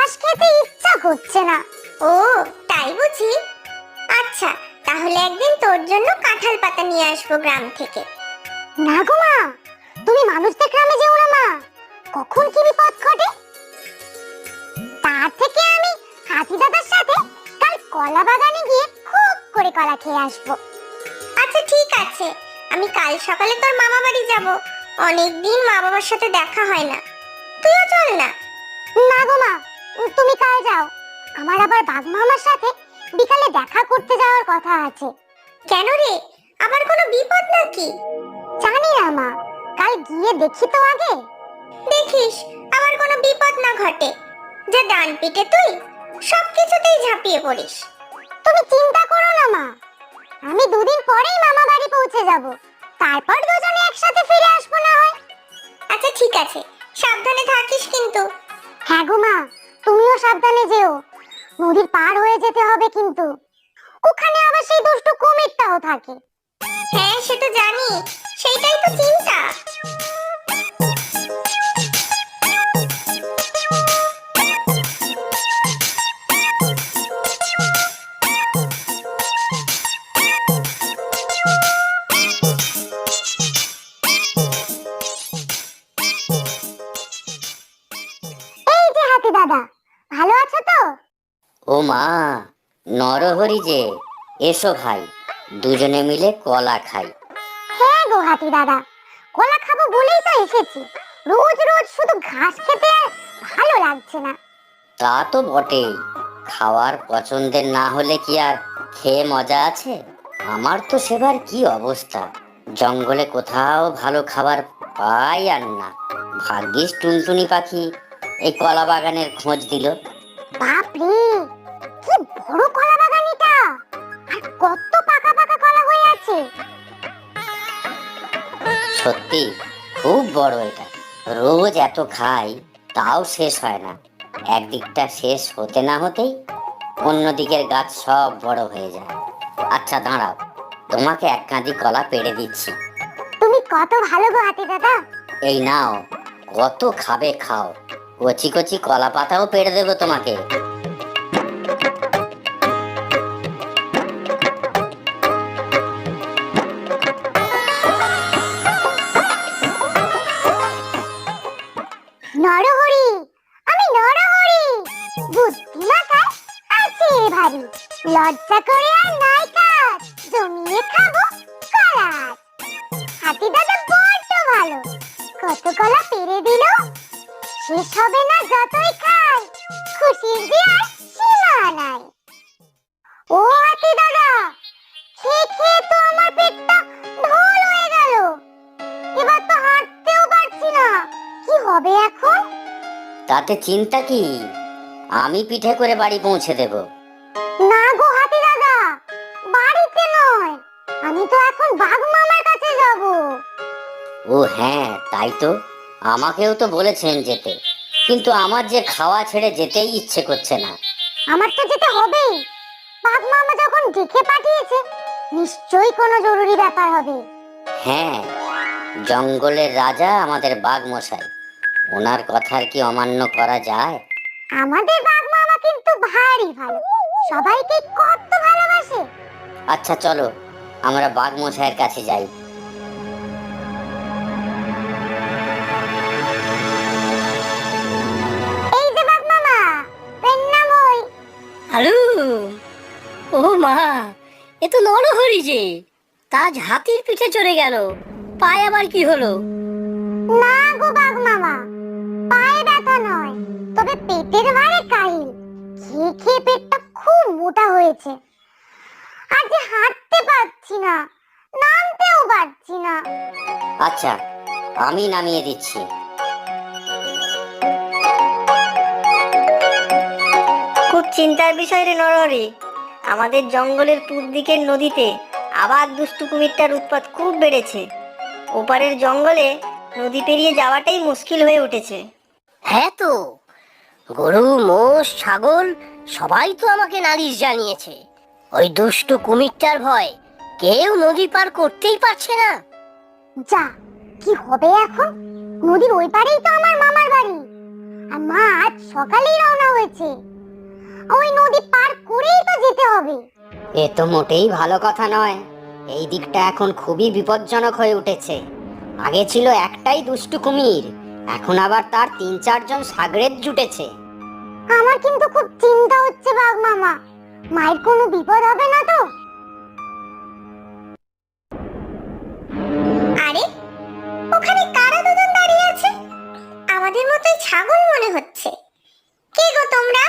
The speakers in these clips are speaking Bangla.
ঘাস খেতে ইচ্ছা করছে না। ও তাই বুঝি? আচ্ছা, তাহলে একদিন তোর জন্য কাঁঠাল পাতা নিয়ে আসবো গ্রাম থেকে। না গো মা, তুমি মানুষদের গ্রামে যেও না মা, কখন কি বিপদ ঘটে। তার থেকে আমি হাতি দাদার সাথে কাল কলা বাগানে গিয়ে খুব করে কলা খেয়ে আসবো। আচ্ছা ঠিক আছে, আমি কাল সকালে তোর মামা বাড়ি যাব। অনেকদিন মা বাবার সাথে দেখা হয় না, তুইও চল না। না গো মা, তুমি কাল যাও, আমার আবার বাঘ মামার সাথে বিকালে দেখা করতে যাওয়ার কথা আছে। কেন রে, আবার কোনো বিপদ নাকি? জানি না মা, কাল গিয়ে দেখি তো আগে। দেখিস আবার কোনো বিপদ না ঘটে। যা ডান পিটে তুই সবকিছুতেই ঝাঁপিয়ে পড়িস। তুমি চিন্তা করো না মা, আমি দুদিন পরেই মামা বাড়ি পৌঁছে যাব, তারপর দুজনে একসাথে ফিরে আসবো না হয়। আচ্ছা ঠিক আছে, সাবধানে থাকিস কিন্তু। হ্যাঁ গো মা, তুমিও সাবধানে যেও, নদীর পার হয়ে যেতে হবে কিন্তু, ওখানে আবার সেই দুষ্টু কুমিরটাও থাকে। হ্যাঁ সেটা জানি, সেইটাই তো চিন্তা। এই যে হাতি দাদা, ভালো আছো তো? ও মা, নরহরি যে, এসো ভাই, দুজনে মিলে কলা খাই। হ্যাঁ গো হাতি দাদা, কলা খাবো বলেই তো এসেছি, রোজ রোজ শুধু ঘাস খেতে আর ভালো লাগছে না। তা তো বটেই, খাওয়ার পছন্দের না হলে কি আর খেয়ে মজা আছে? আমার তো সেবার কি অবস্থা, জঙ্গলে কোথাও ভালো খাবার পাই আর না। ভাগ্যিস টুনটুনি পাখি এই কলা বাগানের খোঁজ দিল। বাপরে, কি বড় কলা বাগান এটা, আর কত পাকা পাকা কলা হয়ে আছে। সত্যি খুব বড় এটা, রোজ এত খাই তাও শেষ হয় না। একদিকটা শেষ হতে না হতেই অন্য দিকের গাছ সব বড় হয়ে যায়। আচ্ছা দাঁড়াও, তোমাকে এক কাঁদি কলা পেড়ে দিচ্ছি। তুমি কত ভালো গো হাতি দাদা। এই নাও, কত খাবে খাও, কচি কচি কলা পাতাও পেড়ে দেবো তোমাকে। নরহরি, আমি নরহরি, বুদ্ধি মাথায় আছে ভারী, লজ্জা করে আর নাই কাজ, জমিয়ে খাবো কলা। হাতি দাদা বড্ড ভালো, কত কলা পেরে দিল, শেষ হবে না যতই খাই, খুশির যে আর সীমা নাই। ও হাতি দাদা, খেয়ে খেয়ে তো আমার পেটটা ঢোল হয়ে গেল, এবার তো হাঁটতেও পারছি না, কি হবে এখন? তাতে চিন্তা কি, আমি পিঠে করে বাড়ি পৌঁছে দেব। না গো হাতি দাদা, বাড়িতে নয়, আমি তো এখন বাঘ মামার কাছে যাব। ও হ্যাঁ তাই তো, আমাকেও তো বলেছেন যেতে, কিন্তু আমার যে খাওয়া ছেড়ে যেতেই ইচ্ছে করছে না। আমার তো যেতে হবেই, বাঘ মামা যখন ডেকে পাঠিয়েছে, নিশ্চয়ই কোনো জরুরি ব্যাপার হবে। হ্যাঁ, জঙ্গলের রাজা আমাদের বাঘ মশাই, ওনার কথার কি অমান্য করা যায়? আমাদের বাঘ মামা কিন্তু ভারী ভালো, সবাইকে কত ভালোবাসে। আচ্ছা চলো, আমরা বাঘ মশাইয়ের কাছে যাই। এই যে বাঘ মামা, প্রণাম হই। হ্যালো। ও মা, এ তো নরহরি যে, তাজ হাতির পিঠে চড়ে গেল, পায়ে আবার কি হলো? না গো বাঘ মামা, পায়ে ব্যথা নয়, তবে পেটের ভারে কাহিল, খেয়ে খেয়ে পেটটা খুব মোটা হয়েছে, আর যে হাঁটতে পারছি না, নামতেও পারছি না। আচ্ছা, আমি নামিয়ে দিচ্ছি। খুব চিন্তার বিষয় রে নরহরি, আমাদের জঙ্গলের পূর্ব দিকের নদীতে আবার দুষ্টু কুমিরটার উৎপাত খুব বেড়েছে। ওপারের জঙ্গলে নদী পেরিয়ে যাওয়াটাই মুশকিল হয়ে উঠেছে। হ্যাঁ তো, গরু মোষ ছাগল সবাই তো আমাকে নালিশ জানিয়েছে, ওই দুষ্টু কুমিরটার ভয় কেউ নদী পার করতেই পারছে না। যা, কি হবে এখন? নদীর ওই পারেই তো আমার মামার বাড়ি, আর মা আজ সকালেই রওনা হয়েছে, ওই নদী পার করেই তো যেতে হবে। এ তো মোটেই ভালো কথা নয়। এই দিকটা এখন খুবই বিপজ্জনক হয়ে উঠেছে। আগে ছিল একটাই দুষ্টু কুমির, এখন আবার তার 3-4 জন সাগরেদ জুটেছে। আমার কিন্তু খুব চিন্তা হচ্ছে বাঘ মামা, মায়ের কোনো বিপদ হবে না তো? আরে ওখানে কারা দুজন দাঁড়িয়ে আছে? আমাদের মতোই ছাগল মনে হচ্ছে। কে গো তোমরা?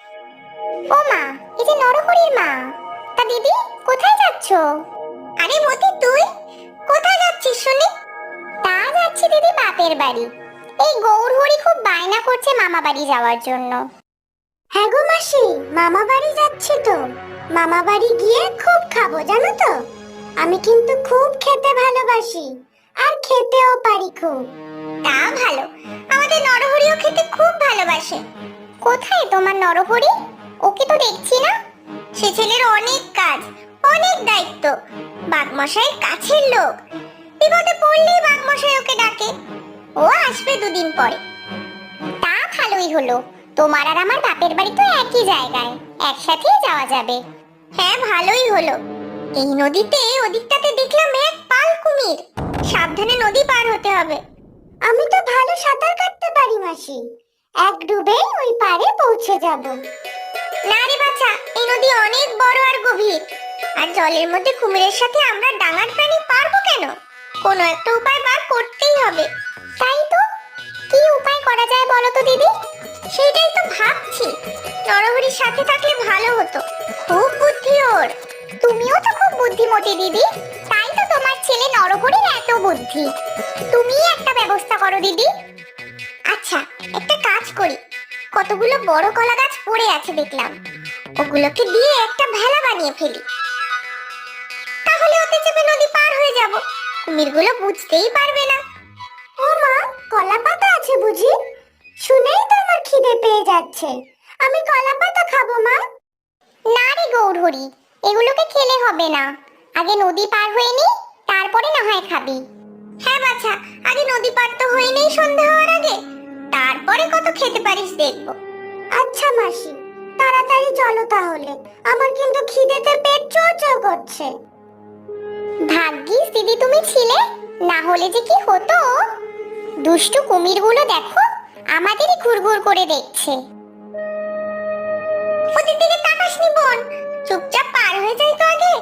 ও মা, এই যে নরহরির মা। তা দিদি কোথায় যাচ্ছো? আরে মতি, তুই কোথায় যাচ্ছিস শুনি? তা যাচ্ছি দিদি বাপের বাড়ি। এই গৌরহরি খুব বায়না করছে মামা বাড়ি যাওয়ার জন্য। হ্যাঁ গো মাসি, মামা বাড়ি যাচ্ছি তো। মামা বাড়ি গিয়ে খুব খাবো জানো তো। আমি কিন্তু খুব খেতে ভালোবাসি, আর খেতেও পারি খুব। তা ভালো, আমাদের নরহরিও খেতে খুব ভালোবাসে। কোথায় তোমার নরহরি? ওকে তো দেখছি না। সে ছেলের অনেক কাজ, অনেক দায়িত্ব, বাঘমশাইয়ের কাছের লোক। বিপদে পড়লেই বাঘমশাই ওকে ডাকে। ও আসবে 2 দিন পরে। তা ভালোই হলো, তোমার আর আমার বাপের বাড়ি তো একই জায়গায়, একসাথেই যাওয়া যাবে। হ্যাঁ ভালোই হলো। এই নদীতে ওদিকটাতে দেখলাম এক পাল কুমির। সাবধানে নদী পার হতে হবে। আমি তো ভালো সাঁতার কাটতে পারি মাসি, এক ডুবে ওই পারে পৌঁছে যাব। না রে বাছা, এই নদী অনেক বড় আর গভীর, আর জলের মধ্যে কুমিরের সাথে আমরা ডাঙার প্রাণী পারবো কেন? কোনো একটা উপায় বার করতেই হবে। তাই তো, কি উপায় করা যায় বলো তো দিদি? সেটাই তো ভাবছি। নরহরির সাথে থাকলে ভালো হতো, খুব বুদ্ধি ওর। তুমিও তো খুব বুদ্ধিমতী দিদি, তাই তো তোমার ছেলে নরহরির এত বুদ্ধি। তুমিই একটা ব্যবস্থা করো দিদি। আচ্ছা, একটা কাজ করি। কতগুলো বড় কলা গাছ পড়ে আছে দেখলাম, ওগুলোকে দিয়ে একটা ভেলা বানিয়ে ফেলি। তাহলে ওতে চেপে নদী পার হয়ে যাব, কুমিরগুলো বুঝতেই পারবে না। ও মা, কলা পাতা আছে বুঝি? শুনেই তো আমার খিদে পেয়ে যাচ্ছে, আমি কলা পাতা খাবো মা। না রে গৌরহরি, এগুলোকে খেলে হবে না, আগে নদী পার হয়ে নি, তারপরে না হয় খাবি। হ্যাঁ বাছা, আগে নদী পার তো হয়ে নেই সন্ধ্যা হওয়ার আগে, তারপরে কত খেতে পারিস দেখবো। আচ্ছা মাসি, তাড়াতাড়ি চলো তাহলে, আমার কিন্তু খিদেতে পেট চোচো করছে। ভাগ্যিস দিদি তুমি ছিলে, না হলে যে কি হতো। দুষ্টু কুমিরগুলো দেখো আমাদেরই ঘুরঘুর করে দেখছে। ওদের দিকে তাকাসনি বোন, চুপচাপ পার হয়ে যাই তো আগে।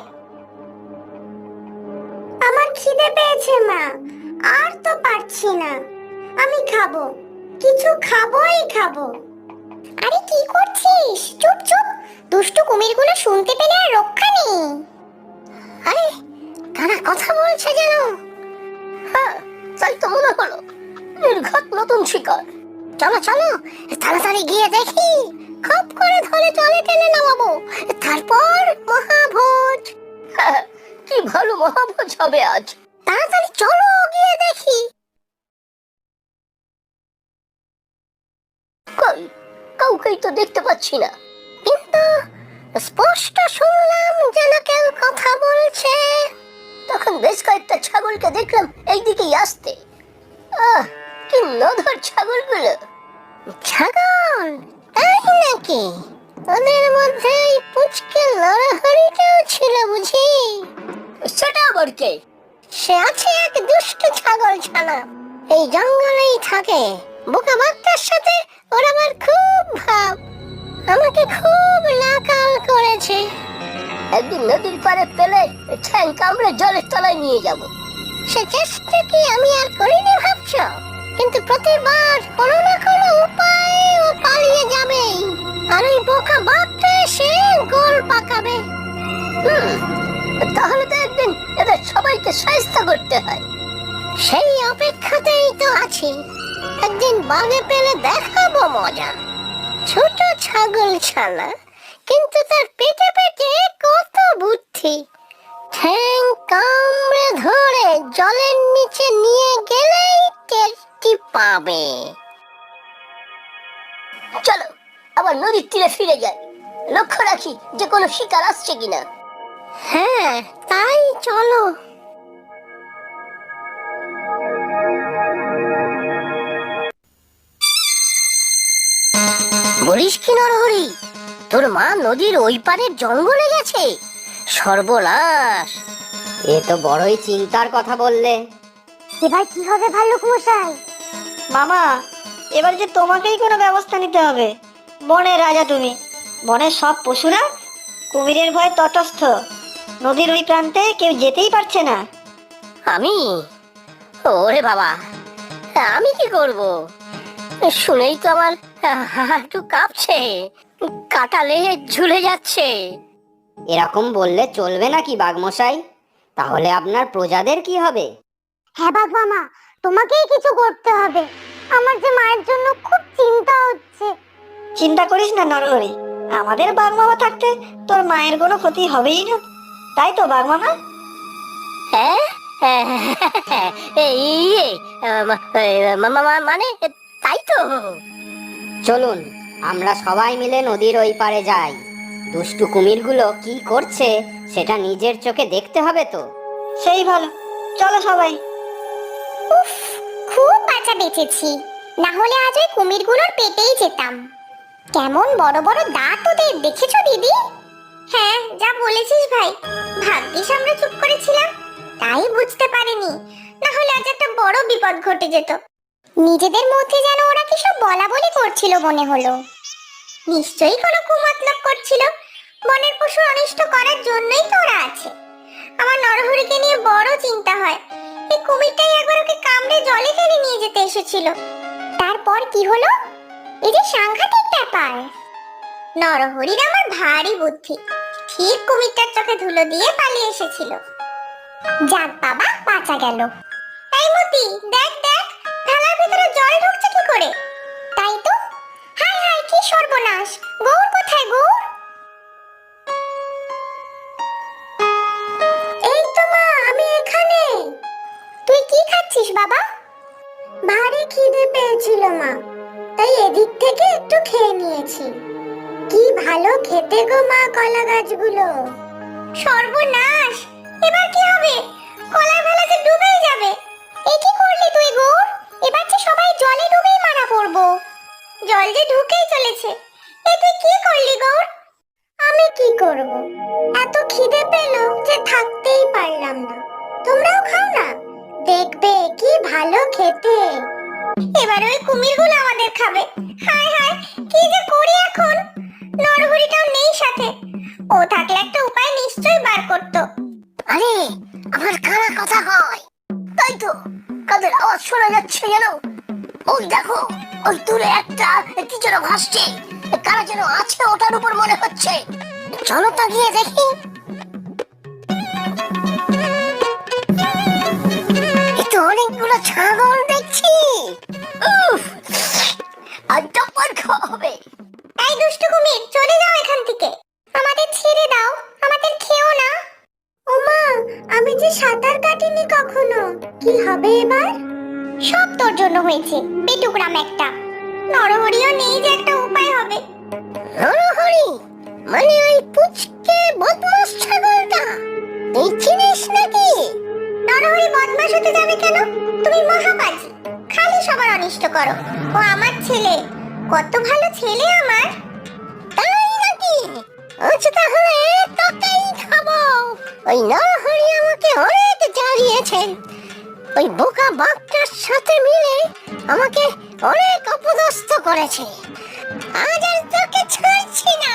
আমার খিদে পেয়েছে মা, আর তো পারছি না, আমি খাবো, কিছু খাবোই খাবো। আরে কি করছিস? চুপ চুপ, দুষ্টু কুমিরগুলো শুনতে পেলে আর রক্ষা নেই। আরে তারা কথা বলছে যেন। হ্যাঁ, তাই তো মনে হলো। নির্ঘাত নতুন শিকার। চলো চলো, তাড়াতাড়ি গিয়ে দেখি, খপ করে ধরে জলে টেনে নামাবো, তারপর মহাভোজ। হ্যাঁ, কি ভালো মহাভোজ হবে আজ। তাড়াতাড়ি চলো গিয়ে দেখি। কই, কাউকেই তো দেখতে পাচ্ছি না। কিন্তু স্পষ্ট শুনলাম যেন কেউ কথা বলছে। তখন বেশ কয়েকটা ছাগলকে দেখলাম এইদিকেই আসতে। আহ, কি নধর ছাগলগুলো। ছাগল? তাই নাকি? ওদের মধ্যে এই পুচকে নরহরিটাও ছিল বুঝি? সেটা আবার কে? সে আছে এক দুষ্ট ছাগল ছানা, এই জঙ্গলেই থাকে। বোকা বাঘটার সাথে ওর আমার খুব ভাব, আমাকে খুব নাকাল করেছে। একদিন নদীর পাড়ে পেলে ঠ্যাং কামড়ে জলের তলায় নিয়ে যাব। সে চেষ্টা কি আমি আর করিনি ভাবছ? কিন্তু প্রতিবার কোনো না কোনো উপায়ে ও পালিয়ে যাবেই, আর ওই বোকা বাঘটা এসে গোল পাকাবে। তাহলে তো একদিন এদের সবাইকে শায়েস্ত করতে হয়। সেই অপেক্ষাতেই তো আছি, একদিন বাগে পেলে দেখাবো মজা। ছোট ছাগল ছানা, কিন্তু তার পেটে পেটে কত বুদ্ধি। ঠ্যাং কামড়ে ধরে জলের নিচে নিয়ে গেলেই টেরটি পাবে। চলো আবার নদীর তীরে ফিরে যাই, লক্ষ্য রাখি যে কোনো শিকার আসছে কিনা। হ্যাঁ তাই চলো। বলিস কি নরহরি, তোর মা নদীর ওই পারের জঙ্গলে গেছে? সর্বনাশ! এ তো বড়ই চিন্তার কথা বললে। এবার কি হবে ভাল্লুক মশাই? মামা, এবার যে তোমাকেই কোনো ব্যবস্থা নিতে হবে। বনের রাজা তুমি, বনের সব পশুরা কুমিরের ভয়ে তটস্থ। নদীর ওই প্রান্তে কেউ যেতেই পারছে না। আমি? ওরে বাবা, আমি কি করব? শুনেই তো আমার একটু কাঁপছে, কাটালে ঝুলে যাচ্ছে। এরকম বললে চলবে নাকি বাঘমশাই? তাহলে আপনার প্রজাদের কি হবে? হ্যাঁ বাঘ মামা, তোমাকেই কিছু করতে হবে। আমার যে মায়ের জন্য খুব চিন্তা হচ্ছে। চিন্তা করিস না নরহরি, আমাদের বাঘ মামা থাকতে তোর মায়ের কোনো ক্ষতি হবেই না। তাই তো বাঘ মামা? হ্যাঁ, এই মানে তাই তো। চলুন আমরা সবাই মিলে নদীর ওই পারে যাই। দুষ্টু কুমিরগুলো কি করছে সেটা নিজের চোখে দেখতে হবে তো। সেই ভালো, চলো সবাই। উফ, খুব বাঁচা বেঁচেছি, না হলে আজ ওই কুমিরগুলোর পেটেই যেতাম। কেমন বড় বড় দাঁত ওদের, দেখেছো দিদি? হ্যাঁ, যা বলেছিস ভাই। ভাগ্যিস আমরা চুপ করেছিলাম, তাই বুঝতে পারিনি, না হলে আজ একটা বড় বিপদ ঘটে যেত। নিজেদের মধ্যে যেন ওরা কি সব বলা বলি করছিল মনে হলো। নিশ্চয়ই কোনো কুমতলব করছিল। বনের পশু অনিষ্ট করার জন্যই তো ওরা আছে। আমার নরহরিকে নিয়ে বড় চিন্তা হয়। এই কুমিরটাই একবার ওকে কামড়ে জলে ফেলে নিয়ে যেতে এসেছিল। তারপর কি হলো? এই যে সাংঘাতিক ব্যাপার। নরহরির আমার ভারী বুদ্ধি, ঠিক কুমিরটার চোখে ধুলো দিয়ে পালিয়ে এসেছিল। যাক বাবা, বাঁচা গেল। এই মতি, দেখ দেখ, থালার ভিতরে জল ঢুকছে কি করে? তাই তো, হাই হাই, কি সর্বনাশ! গৌর কোথায়, গৌর? এই তো মা, আমি এখানে। তুই কি খাচ্ছিস বাবা? ভারী খিদে পেয়েছিল মা, তাই এদিক থেকে একটু খেয়ে নিয়েছি। কি ভালো খেতে গো মা কলা গাছগুলো। সর্বনাশ, এবার কি হবে? কলার ভেলা যে ডুবেই যাবে। এ কি করলি তুই গৌর? এবার যে সবাই জলে ডুবেই মারা পড়বো। জল যে ঢুকেই চলেছে। এ তুই কি করলি গৌর? আমি কি করব? এত খিদে পেল যে থাকতেই পারলাম না। তোমরাও খাও না, দেখবে কি ভালো খেতে। এবার ওই কুমিরগুলো আমাদের খাবে। হায় হায়, কি যে করি এখন? নরহরিটাও নেই সাথে, ও থাকলে একটা উপায় নিশ্চয়ই বার করতো। আরে, আমার কারা কথা হয়। তাই তো, কাদের আওয়াজ শোনা যাচ্ছে যেন। ওই দেখো, ওই দূরে একটা কি যেন ভাসছে। কারা যেন আছে ওটার উপর মনে হচ্ছে। চলো তো গিয়ে দেখি। এ তো অনেকগুলো ছাগল দেখছি। উফ, আজটা পার খাওয়া হবে। এই দুষ্টু কুমির, চলে যাও এখান থেকে। আমাদের ছেড়ে দাও, আমাদের খেও না। ওমা, আমি যে সাঁতার কাটিনি কখনো, কি হবে এবার? সব তোর জন্য হয়েছে, পেটুকরাম একটা। নরহরিও নেই যে একটা উপায় হবে। নরহরি মানে ওই পুচকে বদমাস ছাগলটা, তুই চিনিস নাকি? নরহরি বদমাশ হতে যাবে কেন? তুমি মহাপাজি, খালি সবার অনিষ্ট করো। ও আমার ছেলে, কত ভালো ছেলে আমার। তাই নাকি? আচ্ছা তাহলে তোকেই খাবো। ওই নরহরি আমাকে অনেক জ্বালিয়েছেন। ওই বোকা বাঘটার সাথে মিলে আমাকে অনেক অপদস্থ করেছে। আজ আর তোকে ছাড়ছি না।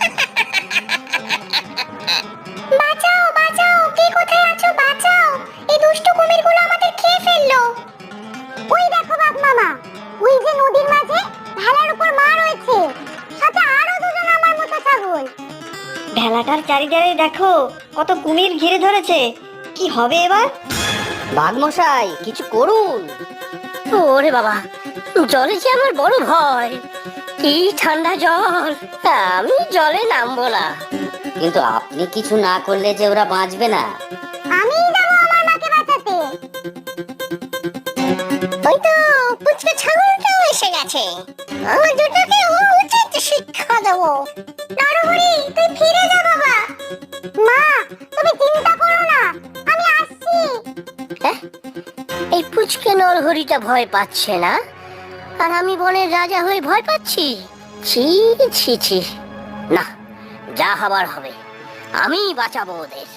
বাঁচাও বাঁচাও, কে কোথায় আছো? বাঁচাও, এই দুষ্টু কুমিরগুলো আমাদের খেয়ে ফেললো। ওই দেখো বাঘ মামা, ওই যে নদীর মাঝে ভেলার উপর মা রয়েছে, সাথে আরো দুজন আমার মতো ছাগল। ভেলাটার চারিধারে দেখো কত কুমির ঘিরে ধরেছে। কি হবে এবার? বাঘমশাই কিছু করুন। ওরে বাবা, জলে যে আমার বড় ভয়। কি ঠান্ডা জল, আমি জলে নামবো না। কিন্তু আপনি কিছু না করলে যে ওরা বাঁচবে না। আমিই যাবো আমার মাকে বাঁচাতে। ওই তো পুচকে ছাগলটাও এসে গেছে। আমার দুটোকে উচিত শিক্ষা দেবো। নরহরি, তুই ফিরে যা বাবা। মা, তুমি চিন্তা করো না, আমি আসছি। হ্যাঁ, এই পুচকে নরহরিটা ভয় পাচ্ছে না, আর আমি বনের রাজা হয়ে ভয় পাচ্ছি। ছি ছি ছি, না, যা হবার হবে, আমি বাঁচাবো ওদের।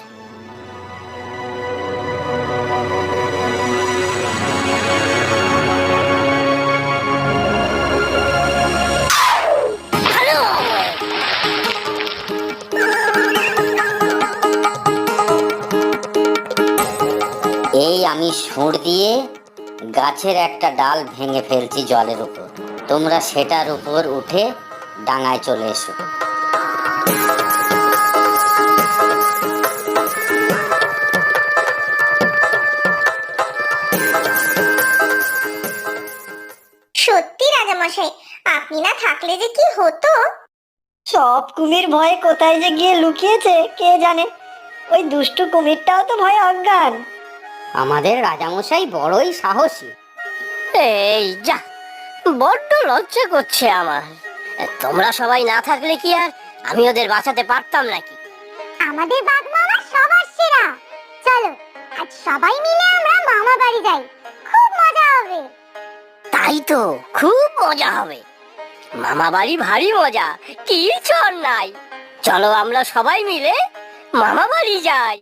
এই আমি সুর দিয়ে গাছের একটা ডাল ভেঙে ফেলছি জলের উপর, তোমরা সেটার উপর উঠে ডাঙায় চলে এসো। সত্যি রাজামশাই, আপনি না থাকলে যে কি হতো। সব কুমির ভয়ে কোথায় যে গিয়ে লুকিয়েছে কে জানে। ওই দুষ্টু কুমিরটাও তো ভয়ে অজ্ঞান। আমাদের রাজামশাই বড়ই সাহসী। এই যা, বড্ড লজ্জা করছে আমার। তোমরা সবাই না থাকলে কি আর আমি ওদের বাঁচাতে পারতাম নাকি? আমাদের বাঘ মামা সবার সেরা। চলো আজ সবাই মিলে আমরা মামা বাড়ি যাই, খুব মজা হবে। তাই তো, খুব মজা হবে। মামা বাড়ি ভারী মজা, কি চল নাই। চলো আমরা সবাই মিলে মামা বাড়ি যাই।